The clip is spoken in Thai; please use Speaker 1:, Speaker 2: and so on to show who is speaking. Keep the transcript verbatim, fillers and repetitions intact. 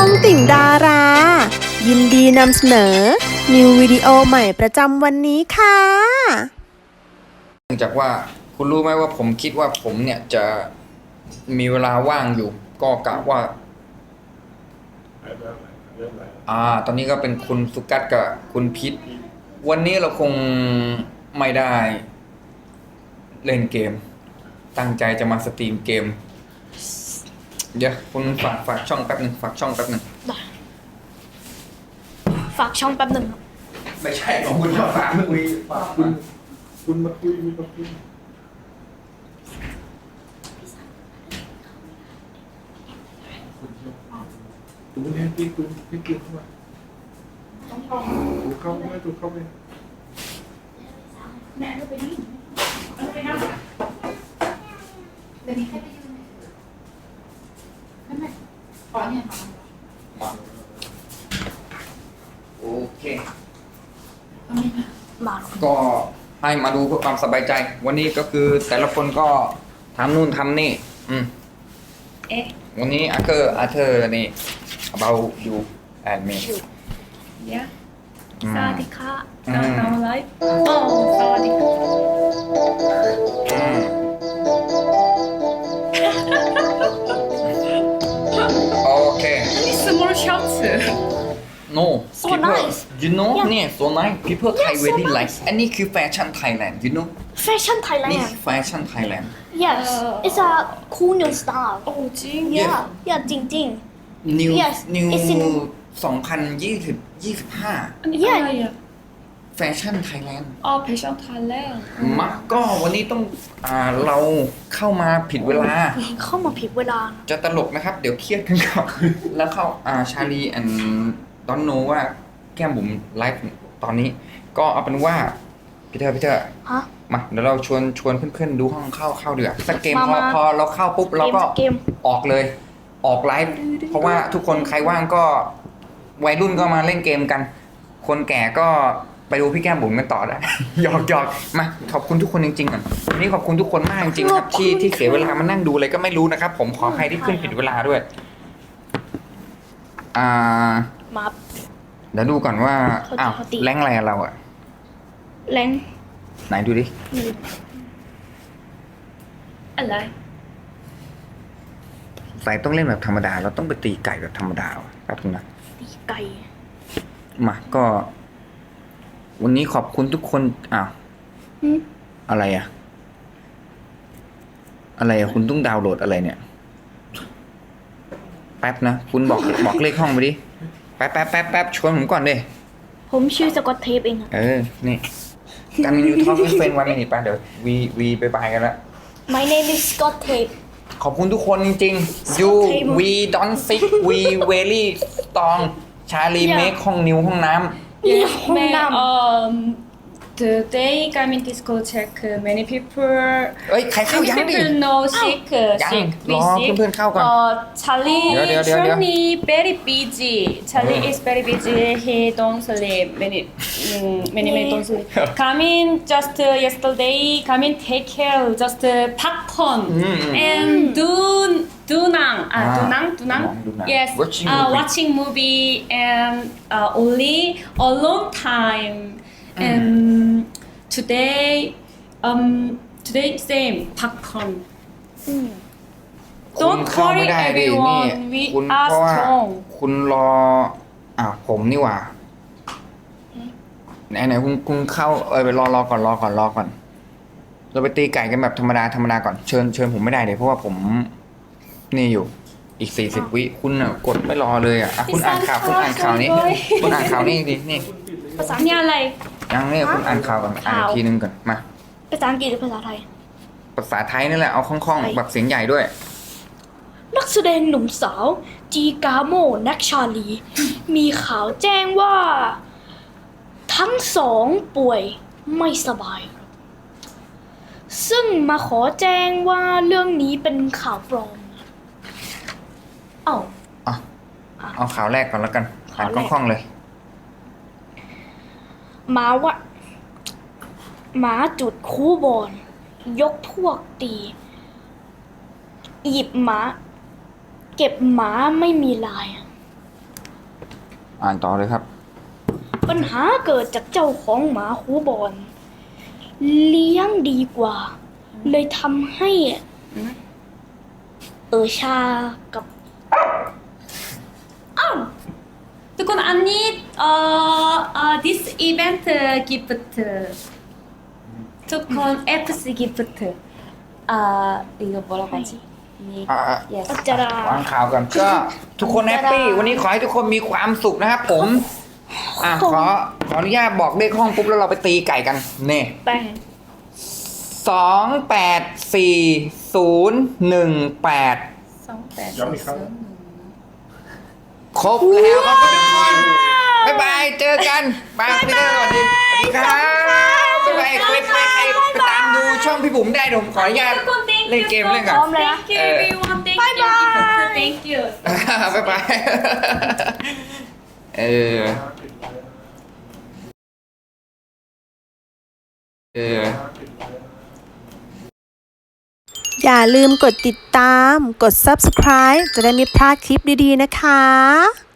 Speaker 1: องติ่งดารา ยินดีนำเสนอ นิววิดีโอใหม่ประจำวันนี้ค่ะ
Speaker 2: เนื่องจากว่าคุณรู้ไหมว่าผมคิดว่าผมเนี่ยจะมีเวลาว่างอยู่ ก็กะว่า อ่า ตอนนี้ก็เป็นคุณสุกัสกับคุณพิษวันนี้เราคงไม่ได้เล่นเกม ตั้งใจจะมาสตรีมเกม เดี๋ยวคุณฝากฝากช่องแป๊บหนึ่งฝากช่องแป๊บหนึ่ง
Speaker 3: ได้ฝากช่องแป๊บหนึ่งครับ
Speaker 2: ไม่ใช่ของคุณฝากคุยฝากคุณ
Speaker 4: คุณมาคุยมีมาคุยตูนแฮนตี้ตูนให้เกียรติเข้ามาตูเข้าไปตูเข้าไป
Speaker 5: แม่ก็ไปนี่เอาไปนั่งเดี๋ยวนี้ให้ไปยืนนั่นแหละอ๋อเนี่ยค่ะ
Speaker 2: มาโอเค
Speaker 3: มา
Speaker 2: ก็ให้มาดูเพื่อความสบายใจ วันนี้ก็คือแต่ละคนก็ทำนู่นทำนี่ อืม
Speaker 5: เอ๊ะ
Speaker 2: วันนี้อาเธอร์อาเธอร์นี่ about you and me
Speaker 5: เดี๋ยว
Speaker 2: อืม
Speaker 5: สวัสดีค่ะ
Speaker 2: อืม
Speaker 5: ทำอะไรโอ้สวัสดีค่ะ
Speaker 2: อืมโอเค
Speaker 5: นี่ small shorts
Speaker 2: no
Speaker 3: So
Speaker 2: people
Speaker 3: nice.
Speaker 2: you know
Speaker 3: Yeah.
Speaker 2: เนี่ย so nice people Thai
Speaker 3: Yeah, so
Speaker 2: very
Speaker 3: nice.
Speaker 2: like อันนี้คือแฟชั่นไทยแลนด์ you know
Speaker 3: แฟชั่นไทยแล
Speaker 2: นี่
Speaker 3: น
Speaker 2: คื
Speaker 3: ด์
Speaker 2: อแฟชั่นไทยแลนด์
Speaker 3: yes it's a cool new style
Speaker 5: โอ้จริง
Speaker 3: yeah yeah จริงจริง
Speaker 2: new
Speaker 3: Yes,
Speaker 2: new
Speaker 3: it's in
Speaker 2: สองพันยี่สิบ ยี่สิบห้า
Speaker 5: อันนี้อะไรอ่ะ
Speaker 2: แฟชั่นไทยแลนด์
Speaker 5: อ๋อเพชรไทยแลนด์
Speaker 2: มาก็วันนี้ต้องอ่าเราเข้ามาผิดเวลา
Speaker 3: ๆเข้ามาผิดเวลา
Speaker 2: จะตลกนะครับ เดี๋ยวเครียดกันก่อน แล้วเข้าอ่าชาลีแอนดอนโนว่าแก้มบุ๋มไลฟ์ตอนนี้ ก็เอาเป็นว่าพี่เธอพี่เธอ
Speaker 3: ฮะ
Speaker 2: มาเดี๋ยวเราชวนชวนเพื่อนๆดูห้องเข้าเข้าเดือดสักเกม
Speaker 3: มา
Speaker 2: พอ
Speaker 3: มา
Speaker 2: พอเราเข้าปุ๊บเราก็
Speaker 3: เกม
Speaker 2: ออกเลย ออกไลฟ์เพราะว่าทุกคนใครว่างก็วัยรุ่นก็มาเล่นเกมกัน คนแก่ก็ไปดูพี่แก้มบุ๋มกันต่อได้ หยอกหยอกมาขอบคุณทุกคนจริงๆก่อนวันนี้ขอบคุณทุกคนมากจริงๆครับที่ที่เสียเวลามานั่งดูอะไรก็ไม่รู้นะครับ ผมขออภัยที่ขึ้นผิดเวลาด้วย อ่า
Speaker 3: มา
Speaker 2: เดี๋ยวดูก่อนว่า
Speaker 3: เขาจะ
Speaker 2: อ้าว
Speaker 3: เขาตี
Speaker 2: แรงอะไรอะเราอะ
Speaker 3: แรง
Speaker 2: ไหนดูดิ
Speaker 5: อะไร
Speaker 2: ใส่ต้องเล่นแบบธรรมดา เราต้องไปตีไก่แบบธรรมดาวะแป๊บนึงนะ
Speaker 3: ตีไก่
Speaker 2: มาก็ วันนี้ขอบคุณทุกคนอ้าว
Speaker 3: หืม
Speaker 2: อะไรอะอะไรอะคุณต้องดาวน์โหลดอะไรเนี่ย แป๊บนะคุณบอกบอกเลขห้องไปดิแป๊บแป๊บแป๊บแป๊บชวนผมก่อนดิ
Speaker 3: ผมชื่อสกอตเทปเองอะ
Speaker 2: เออ นี่การมินยูทอล์กเฟนวันนี้ไปเดี๋ยววีวีไปบายกันแล้ว
Speaker 3: My name is Scott Tape
Speaker 2: ขอบคุณทุกคนจริงๆ you we don't sick we very strong ชาลี
Speaker 3: Yeah.
Speaker 2: เมคห้องนิวห้องน้
Speaker 3: มีห้อง
Speaker 5: แม่
Speaker 3: น้ำ
Speaker 5: um today Garmin disco check many people
Speaker 2: ำเอ้ย ใครเข้า
Speaker 5: many
Speaker 2: ยังดิ
Speaker 5: people know sick
Speaker 2: ยัง
Speaker 5: sick
Speaker 2: รอเพื่อนๆเข้าก่อน
Speaker 5: uh Charlie
Speaker 2: เดี๋ยวเดี๋ยวเดี๋ยวเดี๋ยว
Speaker 5: Charlie very busy Charlie
Speaker 2: อืม
Speaker 5: is very busy he don't sleep many mm, many many don't sleep Garmin just uh, yesterday Garmin take care just uh, popcorn
Speaker 2: อืม
Speaker 5: and do do nang ah
Speaker 2: Ah,
Speaker 5: do nang do nang
Speaker 2: do nang.
Speaker 5: yes
Speaker 2: Watching
Speaker 5: uh,
Speaker 2: movie.
Speaker 5: watching movie and uh, only a long time and today um today same popcorn
Speaker 3: อืม
Speaker 2: คุณ
Speaker 5: don't
Speaker 2: เข้าไม่
Speaker 5: worry
Speaker 2: ได้ดินี่
Speaker 5: everyone we
Speaker 2: คุณ
Speaker 5: are
Speaker 2: เพราะว่า
Speaker 5: strong
Speaker 2: คุณรออ้าวผมนี่หว่า ไหนไหนคุณคุณเข้าเออไปรอรอก่อนรอก่อนรอก่อน เราไปตีไก่กันแบบธรรมดาธรรมดาก่อนเชิญเชิญผมไม่ได้เลยเพราะว่าผมนี่อยู่อีกสี่สิบวิคุณอ่ะกดไม่รอเลยอ่ะอ่ะคุณอ่านข่าวคุณอ่านข่าวนี้ คุณอ่านข่าวนี้ดินี่
Speaker 3: ภาษา
Speaker 5: นี่อะไร
Speaker 2: ยังนี่คุณอ่านข่าวก่อนอ่านอีกทีนึงก่อนมา
Speaker 3: ภาษาอังกฤษหรือภาษาไทย
Speaker 2: ภาษาไทยนี่แหละเอาคล่องๆแบบเสียงใหญ่ด้วย
Speaker 3: นักแสดงหนุ่มสาว จีกาโมนักชาลี มีข่าวแจ้งว่า ทั้งสองป่วยไม่สบาย ซึ่งมาขอแจ้งว่าเรื่องนี้เป็นข่าวปลอมเอ้า
Speaker 2: อ่ะเอาข่าวแรกก่อนแล้วกันอ่าน
Speaker 3: ข่าวแรก
Speaker 2: คล่องๆเลย
Speaker 3: หมาว่าหมาจุดคูบอลยกพวกตี หยิบหมา เก็บหมาไม่มีลาย
Speaker 2: อ่านต่อเลยครับ
Speaker 3: ปัญหาเกิดจากเจ้าของหมาคูบอน เลี้ยงดีกว่า เลยทำให้เออชากับ
Speaker 5: ทุกคนอันนี้เอ่อเอ่อ this event gift ทุกคน เอฟ ซี gift อ่า이거 뭐라고 하지? 니-
Speaker 2: อ่า
Speaker 5: yes
Speaker 3: อัจจาราว
Speaker 2: างข่าวกันก็ทุกคนแฮปปี้วันนี้ขอให้ทุกคนมีความสุขนะครับผม อ่ะขอขออนุญาตบอกเลขห้องปุ๊บแล้วเราไปตีไก่กันเน่
Speaker 3: แป้ง
Speaker 2: สองแปดสี่ศูนย์หนึ่งแปด
Speaker 4: ย้ำอีกครั้ง
Speaker 2: ครบแล้วครับทุกคนบ๊ายบายเจอกันบายพี่เตอร์สวัสดีสวัสดีครับบ๊ายบายใครใครใครไปตามดูช่องพี่บุ๋มได้เดี๋ยวผมขออนุญาต
Speaker 5: ทุกคน thank
Speaker 2: เล่น
Speaker 5: you
Speaker 2: เกม
Speaker 5: so
Speaker 2: เล่นกัน
Speaker 5: much. thank you everyone thank you gift thank you
Speaker 2: บ๊ายบายเออเออ
Speaker 1: อย่าลืมกดติดตาม กด ซับสไครบ์ จะได้ไม่พลาดคลิปดีๆนะคะ